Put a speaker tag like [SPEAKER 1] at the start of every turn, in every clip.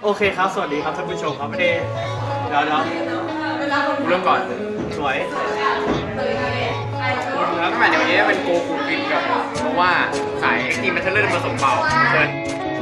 [SPEAKER 1] อเคครับสวัสดีครับท่านผู้ชมครับเดี๋ยว
[SPEAKER 2] เริ่มก่อน
[SPEAKER 1] สวย
[SPEAKER 2] แล้วตั้งแต่เดี๋ยวนี้เป็นโกคูกินกับเพราะว่าสายเอ็กซ์ตรีมแบทเทิลเลอร์ผสมเบาเชิญ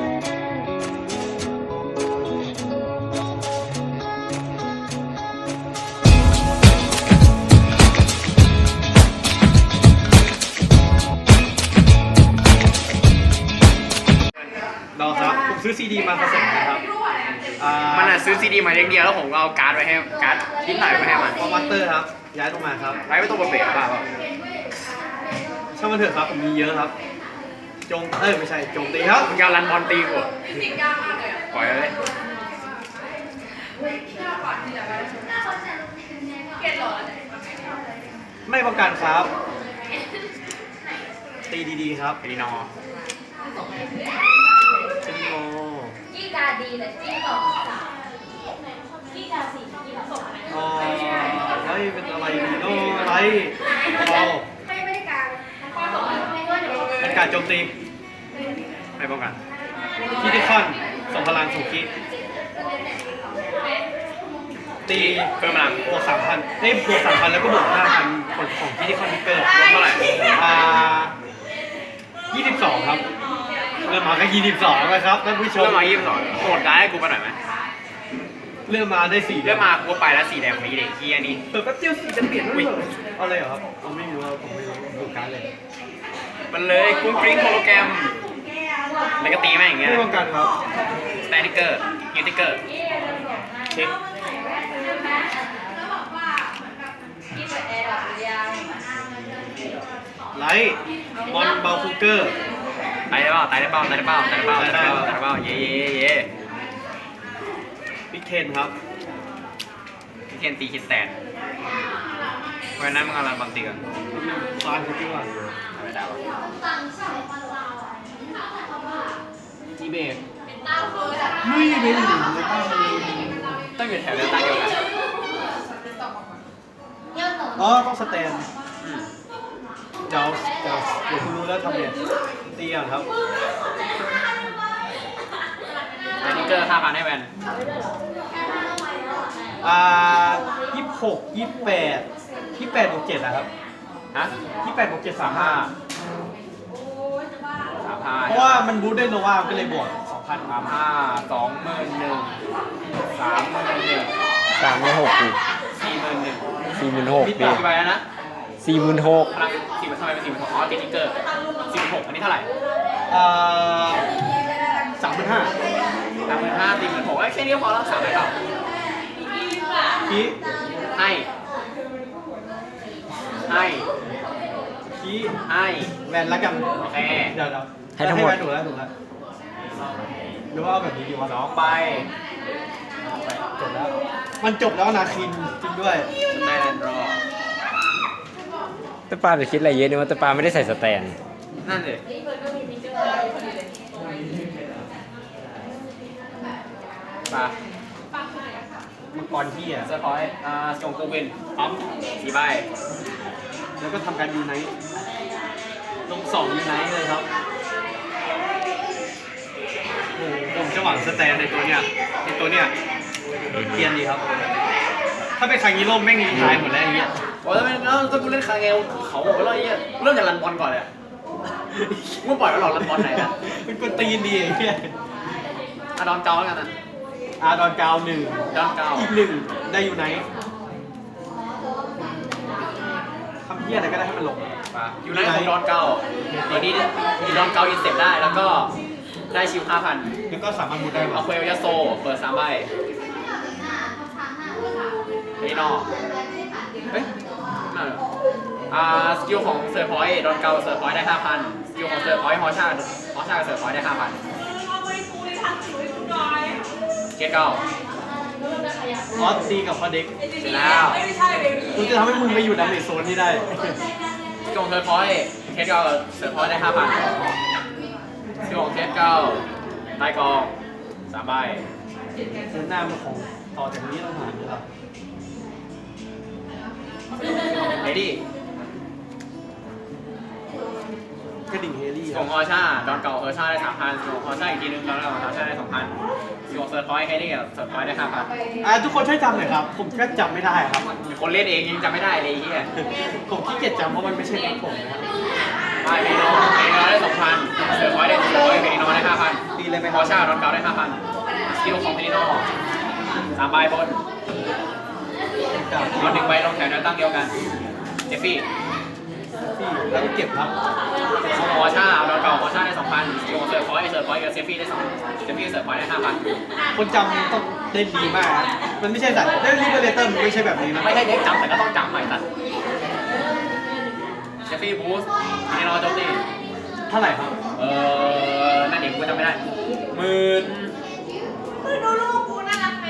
[SPEAKER 1] เราครับผมซื้อซีดีมาผสมนะครับ
[SPEAKER 2] มันอ่ะซื้อซีดีมาอย่างเดียวแล้วผมก็เอาการ์ดไปให้การ์ดทิ้งหน่อยไปให้มัน
[SPEAKER 1] คอมมาสเตอร์ครับย้ายลงมาครับ
[SPEAKER 2] ไว้ไม่ต้องมาเบรกป่ะ
[SPEAKER 1] ช่างมันเถอะครับผมมีเยอะครับไม่ใช่โจมตีครับ
[SPEAKER 2] มึงยาวรันบอลตีกูปล่อยเลย
[SPEAKER 1] ไม่ป้องกันครับตีดีๆครับ
[SPEAKER 2] ตีนอ
[SPEAKER 1] เป็นโม
[SPEAKER 3] จี้กาดีแต่จี้ต่อสามจี้กาสี่จี้ต่อสอง
[SPEAKER 1] อ๋ออะไรเป็นอะไรดีโน่อะไรเรา
[SPEAKER 3] ไม่ได้การ
[SPEAKER 1] เป็นการโจมตี
[SPEAKER 2] ไม่ป้องกัน
[SPEAKER 1] คิติคอนส่งพลังสู่คิตี
[SPEAKER 2] เพิ่มพลัง
[SPEAKER 1] บวก3,000ได้บวก3,000แล้วก็บวก5,000ของคิติคอนทิกเกอร์
[SPEAKER 2] เท่าไหร่
[SPEAKER 1] 22ครับเริ่มมาแค่22นะครับท่านผู้ชม
[SPEAKER 2] เริ่มมา22โหดได้ให้กูไปหน่อยไหม
[SPEAKER 1] เริ่มมาได้4
[SPEAKER 2] เริ่มมากูไปแล้วสีแดงของนี้เด็กเฮียนี่
[SPEAKER 1] แป๊บเดียวสีจะเปลี่ยนด้วยเหรอเอาเลยเหรอครับผมไม่รู้ดูการเลย
[SPEAKER 2] มันเลยกุ้งกริ้งโฮโลแกรมแล้วก็ตีแม่งอย่างเงี้ย
[SPEAKER 1] ไม่ป้องกันครับ
[SPEAKER 2] สแตนดิเกอร์ยูติเกอร์
[SPEAKER 1] เช็คไลท์มอนเบลคูเกอร์
[SPEAKER 2] ตายได้เปล่าเย่
[SPEAKER 1] บิ๊กเทนครับ
[SPEAKER 2] พี่เคนตีคิดแตนวันนั้นมึงเอาลันบอลตีกัน
[SPEAKER 1] ฟานเขาที่ว่า
[SPEAKER 2] ไม่ได้วะ
[SPEAKER 1] จีเบกลุยไปหนึ่ง
[SPEAKER 2] ต้องอยู่แถวเดียวกัน
[SPEAKER 1] ต้องสแตนเดี๋ยวคุณรู้แล้วทำไงตีอ่ะครับ
[SPEAKER 2] สแตนดิเกอร์5,000ให้แวน
[SPEAKER 1] 28บวก7นะครับ
[SPEAKER 2] ฮะ
[SPEAKER 1] 28บวก7 35เพราะว่ามันบูทได้โนวาก็เลยบวก 2,000
[SPEAKER 2] 35 21,000 31,000
[SPEAKER 4] 36,000 ดิ
[SPEAKER 2] 46,000มีต่อกี่ใบแล้วนะ
[SPEAKER 4] 46,000
[SPEAKER 2] พลัง4ทำไมเป็น46,000อ๋อสแตนดิเกอร์46,000อันนี้เท่าไหร่
[SPEAKER 1] 35,000
[SPEAKER 2] 36,000แค่นี้พอแล้ว3ใบเปล่า
[SPEAKER 1] คี
[SPEAKER 2] ให้
[SPEAKER 1] แวนแล้วกัน
[SPEAKER 2] โอเค
[SPEAKER 1] เดี๋ยวให้ทั้งหมดถูกแล้วหรือว่าเอาแบบนี้ดีวะ
[SPEAKER 2] 2ใบ
[SPEAKER 1] จบแล้วมันจบแล้วนาคินจริงด้วย
[SPEAKER 2] สแตนรอ
[SPEAKER 4] แต่ปาจะคิดอะไรเยอะเนี่ยว่าแต่ปาไม่ได้ใส่สแตน
[SPEAKER 2] นั่นเลยปา
[SPEAKER 1] มังกรที่
[SPEAKER 2] สปอยส่งกูวินปั๊ม4ใบ
[SPEAKER 1] แล้วก็ทำการยูไนท์ลง2ยูไนท์เลยครับโอ้ผมจะหวังสแตนในตัวเนี้ยเกียนดีครับถ้าเป็นคางิโร่แม่งมีท้ายหมดแล้วไอ้เงี้ย
[SPEAKER 2] โอ้ยแล้วถ้ากูเล่นคาเงลเขาบอกว่าอะไรเงี้ยเริ่มจากรันบอลก่อนเลยมึงปล่อยมันหลอกรันบอลไหนนะ
[SPEAKER 1] เป็นคนตีนดีไอ้เงี้ย
[SPEAKER 2] ดอนเกาแล้วกันนะ
[SPEAKER 1] ดอนเกา1
[SPEAKER 2] ดอนเกา
[SPEAKER 1] อีก1ได้ยูไนท์ทำเหี้ยอะไรก็ได้ให้มันลง
[SPEAKER 2] ยูไนท์ของดอนเกาตอนนี้ดอนเกาอินเสร็จได้แล้วก็ได้ชิว 5,000
[SPEAKER 1] แล้วก็สามารถมุดได้
[SPEAKER 2] เอาเควลยาโซเปิด3ใบนี่นอกเฮ้ยนั่นสกิลของเซอร์พอยต์ดอนเกาเซอร์พอยต์ได้ 5,000 สกิลของเซอร์พอยต์ฮอชากับเซอร์พอยต์ได้ 5,000เกตเก้า
[SPEAKER 1] ตีกับพอเด็ก
[SPEAKER 2] เสร็จแล้ว
[SPEAKER 1] กูจะทำให้มึงไปอยู่ในเมจโซนที่ได้
[SPEAKER 2] สกิลของเซอร์พอยต์เกตเก้าเซอร์พอยต์ได้ 5,000สกิลของเกตเก้าใต้กอง3ใบ
[SPEAKER 1] เส้นหน้ามันของต่อจากนี้ต้องหาด้วยครับ
[SPEAKER 2] เรดี้
[SPEAKER 1] กระดิ่งเฮลี่
[SPEAKER 2] ส
[SPEAKER 1] ค
[SPEAKER 2] กิ
[SPEAKER 1] รั
[SPEAKER 2] ล
[SPEAKER 1] บ
[SPEAKER 2] ฮอร์ชาดอนเก่าฮอร์ชาได้3,000สกิลฮอร์ชาอีกทีนึงดอนเก่าฮอร์ชาได้2,000สกิลเซิร์ฟพอยต์แค่นี้กับเซิร์ฟพอยต์ได้5,000
[SPEAKER 1] ทุกคนช่วยจำหน่อยครับ ผมก็จำไม่ได้ครับ
[SPEAKER 2] คนเล่นเองยังจำไม่ได้เลยไอ้เฮีย
[SPEAKER 1] ผมขี้เกียจจำเพราะมันไม่ใช่ของผมนะครับ
[SPEAKER 2] ไปเมโนได้2,000เซิร์ฟพอยต์ได้400เมโนได้5,000
[SPEAKER 1] ตีเลยไหม
[SPEAKER 2] ฮ
[SPEAKER 1] ค
[SPEAKER 2] อ
[SPEAKER 1] รับ
[SPEAKER 2] ร์ชาดอนเก่าได้5,000สกิลของเมโน3ใบบนเอา1ใบลงแถวแนวตั้งเดียวกันเจฟฟี่
[SPEAKER 1] แล้วก็เก็บครับ
[SPEAKER 2] ฮอร์ชาดอนเก่าฮอร์ชาได้2,000สกิลของเซิร์ฟพอยต์กับเซฟฟี่ได้2เซฟฟี่เซิร์ฟพอยต์ได้5,000
[SPEAKER 1] คนจำต้องได้ดีมากครับมันไม่ใช่สัตว์ได้รีเบเลเตอร์มันไม่ใช่แบบนี้นะ
[SPEAKER 2] ไม่ใช่เด็กจำแต่ก็ต้องจำใหม่สัตว์เจฟฟี่บูสเมโนโจมตี
[SPEAKER 1] เท่าไหร่ครับ
[SPEAKER 2] นั่นเองกูจำไม่ได้16,000
[SPEAKER 3] ดูลูกกูน่ารักไหม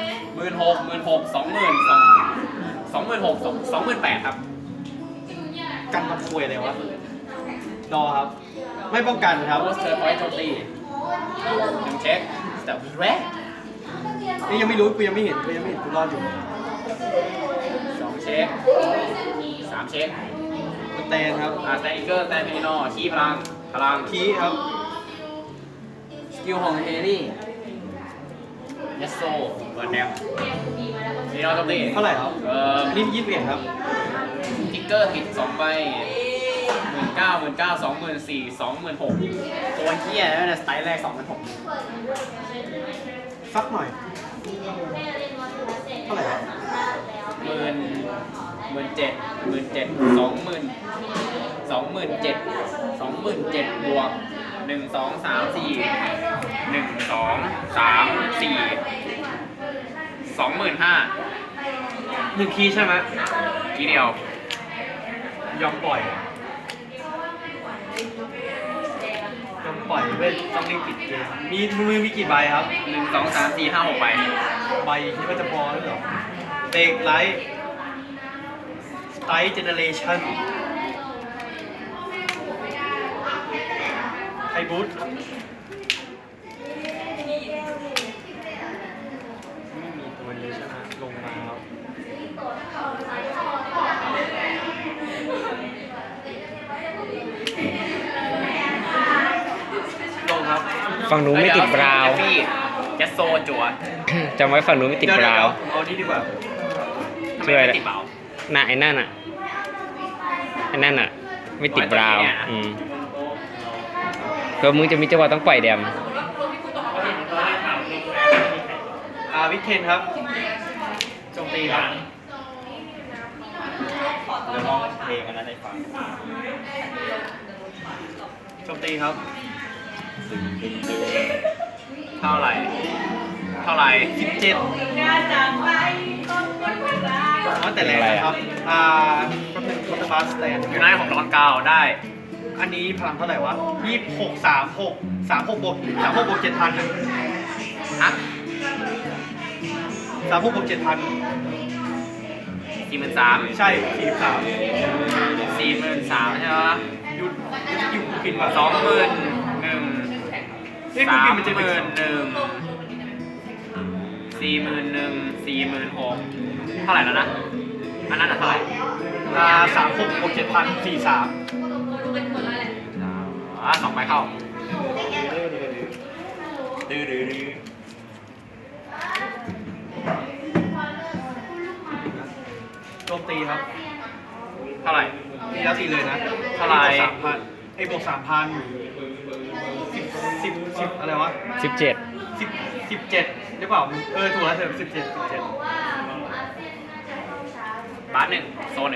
[SPEAKER 2] 28,000ครับ
[SPEAKER 1] กันมาคุยอะไรวะดอครับ ไม่ป้องกันครับ
[SPEAKER 2] บูสเทอร์พอยต์โจมตี1เช็คแต่แรก
[SPEAKER 1] นี่ยังไม่รู้กูยังไม่เห็นกูรอดอยู่
[SPEAKER 2] 2เช็ค3เช็ค
[SPEAKER 1] สแตนครับ
[SPEAKER 2] สแตนอิเกอร์สแตนเพนินอขี้พลัง
[SPEAKER 1] คีครับ
[SPEAKER 2] สกิลของเฮลี่ยัสโซเปิดแดมเพนินอโจมตี
[SPEAKER 1] เท่าไหร่ครับอันนี้21ครับ
[SPEAKER 2] ทิกเกอร์ติด2ใบ19,000 24,000 26,000ตัวเฮียแล้วนะสไตล์แรก 26,000
[SPEAKER 1] สักหน่อย เท่าไหร่ครับ
[SPEAKER 2] 27,000บวก1 2 3 4 1 2 3 4 25,000
[SPEAKER 1] 1 คีย์ใช่ไหม
[SPEAKER 2] ทีเดียวย
[SPEAKER 1] อมปล่อยเว้ยต้องรีบปิดเกมมือมีกี่ใบครับ
[SPEAKER 2] 1 2 3 4 5 6ใบ
[SPEAKER 1] ใบคิดว่าจะพอหรือเปล่าเตกไลท์สไตล์เจเนเรชั่นไฮบูทไม่มีตัวนี้ใช่ไหมลงมาครับลงครับ
[SPEAKER 4] ฝั่งนู้นไม่ติดบราวน์
[SPEAKER 2] ยัสโซจั่ว
[SPEAKER 4] จำไว้ฝั่งนู้นไม่ติดบราวน์
[SPEAKER 1] เอานี่ดีกว่า
[SPEAKER 2] ทำไม
[SPEAKER 4] ช่วย
[SPEAKER 2] ไม่ติดเบา
[SPEAKER 4] น่ะไอ้นั่นอ่ะไม่ติดบราวน์เพื่อมึงจะมีจังหวะต้องปล่อยแดม
[SPEAKER 1] วิกเคนครับโจมตีครับ
[SPEAKER 2] เดี๋ยวลองเพลงอันนั้นให้ฟัง
[SPEAKER 1] โจมตีครับ
[SPEAKER 2] เท่าไหร่
[SPEAKER 1] 17ว่าแต่แรกนะครับก็เป็นคอร์ตบัสแตน
[SPEAKER 2] ยูไนท์ของดอนเกาได้
[SPEAKER 1] อันนี้พลังเท่าไหร่วะ26 36บวก7,000นะ
[SPEAKER 2] ฮะ
[SPEAKER 1] 36บวก7,000
[SPEAKER 2] 43,000
[SPEAKER 1] ใช่43
[SPEAKER 2] 43,000ใช่ไหม
[SPEAKER 1] ยุดผิดว่ะ
[SPEAKER 2] 21,000
[SPEAKER 1] นี่กูกินมันจะเป็น
[SPEAKER 2] 46,000 เท่าไหร่แล้วนะ อันนั้นเท่าไหร่
[SPEAKER 1] 36บวก7,000 43
[SPEAKER 2] 2ใบเข้า
[SPEAKER 1] โจมตีครับ
[SPEAKER 2] เท่าไหร่
[SPEAKER 1] ตีแล้วตีเลยนะ
[SPEAKER 2] เท่าไหร่
[SPEAKER 1] 3,000ไอ้บวก 3,000 10อะไรวะ
[SPEAKER 4] 17
[SPEAKER 1] 17หรือเปล่าถูกแล้วเถอะ17
[SPEAKER 2] บาส1โซน1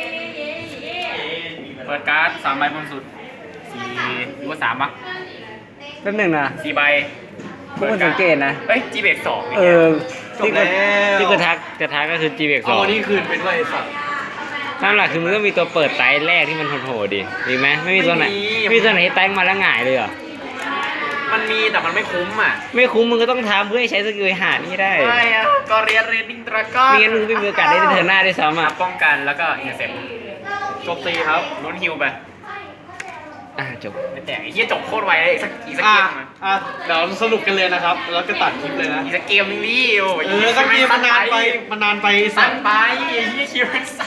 [SPEAKER 2] เปิดการ์ด3ใบบนสุด4หรือว่า3ปะ
[SPEAKER 4] แป๊บหนึงนะ
[SPEAKER 2] 4ใบ
[SPEAKER 4] พวกคุณสังเกตนะ
[SPEAKER 2] เฮ้ย G เบรก2
[SPEAKER 1] จบแล้ว
[SPEAKER 4] ที่กูทักจะทักก็คือ G เบรก
[SPEAKER 1] เอาอันนี้คืนไปด้วยไอ้สัตว์
[SPEAKER 4] ตามหลักคือมึงต้องมีตัวเปิดไตแรกที่มันโหดๆดิดีไหมไม่มีตัวไหนไม่มีตัวไหนที่ไตมาแล้วหงายเลยเหรอ
[SPEAKER 2] มันมีแต่มันไม่คุ้มอ่ะ
[SPEAKER 4] ไม่คุ้มมึงก็ต้องทำเพื่อให้ใช้สกิลหานี่ได้
[SPEAKER 2] ใช่อ่ะก็เรียนเรดดิ้งตราก้อน
[SPEAKER 4] ไม่งั้นมึงไม่มีโอกาสได้ในเทอร์หน้าด้วยซ้ำอ่ะ
[SPEAKER 2] ป้องกันแล้วก็อินเตอร์เซ็ป
[SPEAKER 1] โจมตีครับ
[SPEAKER 2] ลุ้นฮิวไป
[SPEAKER 4] จบ
[SPEAKER 2] แต่ไอ้เหี้ยจบโคตรไวเลยอีกสักเกมอ่ะ
[SPEAKER 1] เดี๋ยวสรุปกันเลยนะครับ แล้วก็ตัดคลิปเลยนะ
[SPEAKER 2] อีกสักเกมนึงนี่โอ้ย
[SPEAKER 1] ก็เกมมันนานไปไอ้สั
[SPEAKER 2] สั้
[SPEAKER 1] ต
[SPEAKER 2] น
[SPEAKER 1] ว์
[SPEAKER 2] ไปไอ้เหี้ยคิวมันสั้น